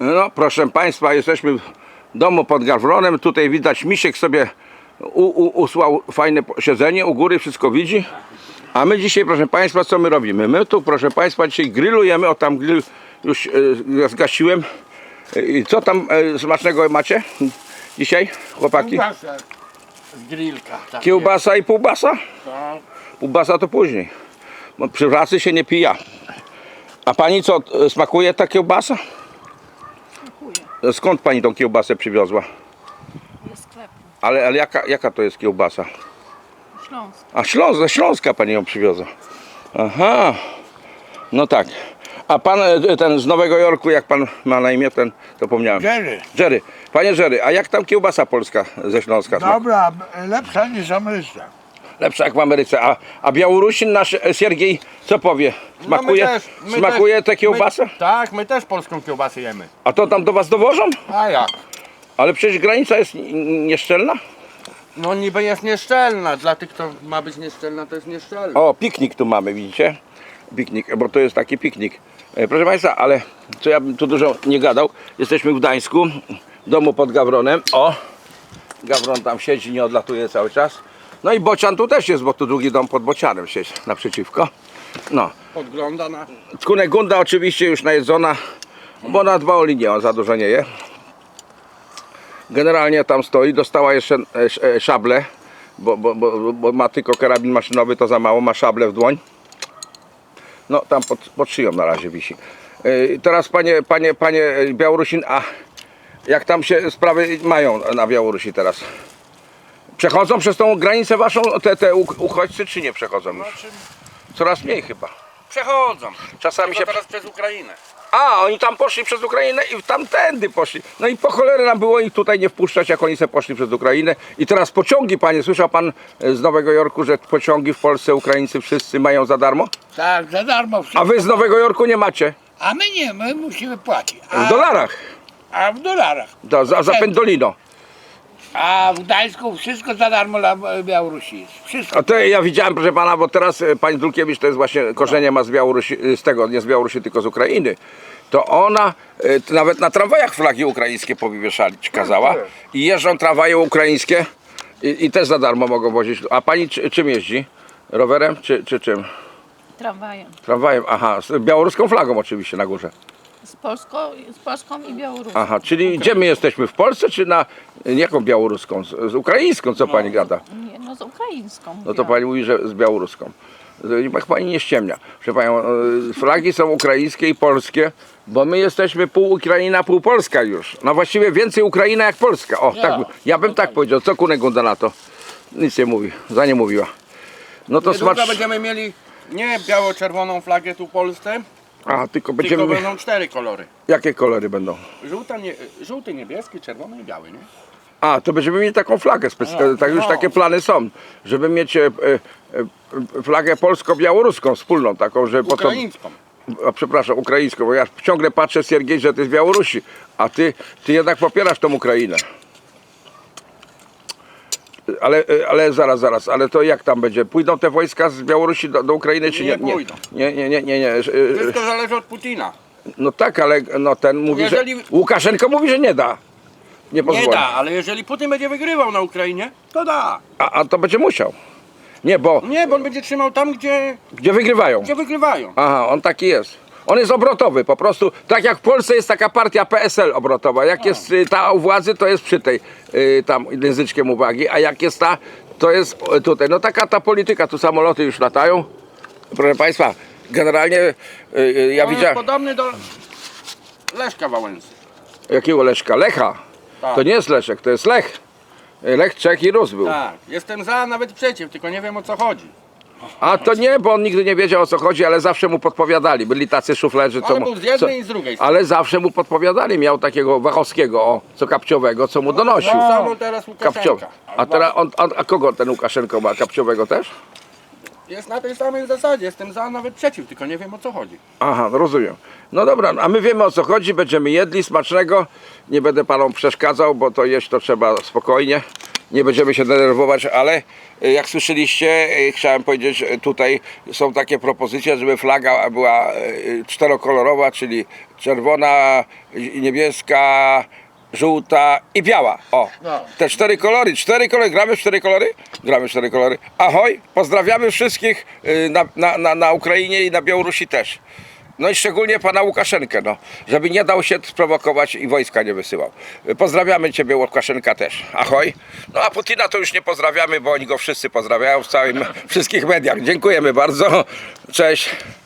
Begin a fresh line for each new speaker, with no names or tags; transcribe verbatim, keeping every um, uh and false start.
No proszę Państwa, jesteśmy w domu pod Gawronem. Tutaj widać, Misiek sobie u, u, usłał fajne siedzenie, u góry wszystko widzi. A my dzisiaj, proszę Państwa, co my robimy? My tu, proszę Państwa, dzisiaj grillujemy. O, tam grill już e, zgasiłem. I co tam e, smacznego macie dzisiaj, chłopaki?
Kiełbasa z grillka. Tak
Kiełbasa i półbasa?
tak.
Półbasa to później. Bo przy pracy się nie pija. A pani co, e, smakuje ta kiełbasa?
Smakuje.
Skąd pani tą kiełbasę przywiozła?
Ze sklepu.
Ale, ale jaka, jaka to jest kiełbasa?
Śląsk.
A Śląsk, ze Śląska pani ją przywiozła. Aha. No tak. A pan e, ten z Nowego Jorku, jak pan ma na imię, ten, to pomniałem.
Jerry.
Jerry. Panie Jerry, a jak tam kiełbasa polska ze Śląska?
Dobra, lepsza niż ameryka.
Lepsza jak w Ameryce. A, a Białorusin nasz e, Siergiej, co powie? Smakuje,
No my też, my
smakuje
też,
tę kiełbasę?
My, tak, my też polską kiełbasę jemy.
A to tam do was dowożą?
A jak?
Ale przecież granica jest n- nieszczelna.
No niby jest nieszczelna, dla tych, kto ma być nieszczelna, to jest nieszczelna.
O, piknik tu mamy, widzicie? Piknik, bo to jest taki piknik. E, Proszę Państwa, ale co ja bym tu dużo nie gadał. Jesteśmy w Gdańsku, w domu pod Gawronem. O, Gawron tam siedzi, nie odlatuje cały czas. No i Bocian tu też jest, bo tu drugi dom pod Bocianem siedzi naprzeciwko. No,
Podgląda na...
Kunegunda oczywiście już najedzona, bo na dwa o linię, on za dużo nie je. Generalnie tam stoi, dostała jeszcze e, e, szablę, bo, bo, bo, bo ma tylko karabin maszynowy, to za mało, ma szablę w dłoń. No tam pod, pod szyją na razie wisi. E, teraz panie, panie, panie Białorusin, a jak tam się sprawy mają na Białorusi teraz? Przechodzą przez tą granicę waszą te, te uchodźcy, czy nie przechodzą już? Coraz mniej chyba.
Przechodzą.
Czasami się...
Tylko teraz przez Ukrainę.
A, oni tam poszli przez Ukrainę i tamtędy poszli. No i po cholerę nam było ich tutaj nie wpuszczać, jak oni se poszli przez Ukrainę. I teraz pociągi, panie, słyszał pan z Nowego Jorku, że pociągi w Polsce Ukraińcy wszyscy mają za darmo?
Tak, za darmo wszystko.
A wy z Nowego Jorku nie macie?
A my nie, my musimy płacić. A,
W dolarach.
A w dolarach.
Da, za, za pendolino.
A w Gdańsku wszystko za darmo dla Białorusi jest. Wszystko.
A to ja widziałem, proszę pana, bo teraz e, pani Dulkiewicz to jest właśnie korzenie ma z Białorusi, z tego, nie z Białorusi, tylko z Ukrainy. To ona e, to nawet na tramwajach flagi ukraińskie powieszać kazała. I jeżdżą tramwaje ukraińskie i, i też za darmo mogą wozić. A pani czy, czym jeździ? Rowerem czy, czy czym?
Tramwajem.
Tramwajem, aha, z białoruską flagą oczywiście na górze.
Z Polską, z Polską i Białorusią.
Aha, czyli gdzie my jesteśmy? W Polsce czy na jaką białoruską? Z, z ukraińską, co pani gada?
Nie, no z ukraińską.
No to pani mówi, że z białoruską. Niech pani nie ściemnia. Proszę panią, e, flagi są ukraińskie i polskie, bo my jesteśmy pół Ukraina, pół Polska już. No właściwie więcej Ukraina jak Polska. O, tak, ja bym tak powiedział. Co Kunegunda na to? Nic nie mówi, za nie mówiła. No to
Niedługo
smacz...
będziemy mieli nie biało-czerwoną flagę tu w Polsce,
A, tylko
tylko
będziemy...
będą cztery kolory.
Jakie kolory będą?
Żółta, nie, żółty, niebieski, czerwony i biały, nie?
A, to będziemy mieli taką flagę specjalną,
No,
tak już
no.
takie plany są, żeby mieć e, e, flagę polsko-białoruską wspólną, taką, że potem...
Ukraińską.
A, przepraszam, ukraińską, bo ja ciągle patrzę, Siergiej, że ty z Białorusi, a ty, ty jednak popierasz tą Ukrainę. Ale, ale zaraz, zaraz, ale to jak tam będzie? Pójdą te wojska z Białorusi do, do Ukrainy, czy nie?
Nie pójdą.
Nie, nie, nie, nie, nie.
Wszystko zależy od Putina.
No tak, ale no ten mówi,
Jeżeli-
że... Łukaszenko mówi, że nie da. Nie
Nie
pozwoli.
da, ale jeżeli Putin będzie wygrywał na Ukrainie, to da.
A, a to będzie musiał. Nie, bo
Nie, bo on będzie trzymał tam, gdzie,
gdzie wygrywają.
gdzie wygrywają.
Aha, on taki jest. On jest obrotowy, po prostu tak jak w Polsce jest taka partia P S L obrotowa. Jak jest y, ta u władzy, to jest przy tej y, tam języczkiem uwagi, a jak jest ta, to jest y, tutaj. No taka ta polityka, tu samoloty już latają. Proszę Państwa, generalnie y, y, ja
On jest
widziałem...
podobny do Leszka Wałęsy.
Jakiego Leszka? Lecha.
Tak.
To nie jest Leszek, to jest Lech. Y, Lech, Czech i Rus był.
Tak, jestem za, nawet przeciw, tylko nie wiem o co chodzi.
A to nie, bo on nigdy nie wiedział o co chodzi, ale zawsze mu podpowiadali. Byli tacy szuflerzy, co
Ale
mu...
był z jednej
co,
i z drugiej strony.
ale zawsze mu podpowiadali. Miał takiego Wachowskiego, o, co Kapciowego, co mu donosił.
Tak samo teraz
Kapciowy.
Łukaszenka.
A teraz on, on, a kogo ten Łukaszenko ma? Kapciowego też?
Jest na tej samej zasadzie, jestem za, nawet przeciw, tylko nie wiem o co chodzi.
Aha, no rozumiem. No dobra, a my wiemy o co chodzi, będziemy jedli smacznego. Nie będę panom przeszkadzał, bo to jeść to trzeba spokojnie. nie będziemy się denerwować, ale y, jak słyszeliście, y, chciałem powiedzieć, że tutaj są takie propozycje, żeby flaga była y, czterokolorowa, czyli czerwona, y, niebieska, żółta i biała. O,
No.
te cztery kolory, cztery kolory, gramy w cztery kolory? Gramy w cztery kolory. Ahoj, pozdrawiamy wszystkich y, na, na, na, na Ukrainie i na Białorusi też. No i szczególnie pana Łukaszenkę, no, żeby nie dał się sprowokować i wojska nie wysyłał. Pozdrawiamy ciebie, Łukaszenka, też. Ahoj. No a Putina to już nie pozdrawiamy, bo oni go wszyscy pozdrawiają w całym, wszystkich mediach. Dziękujemy bardzo. Cześć.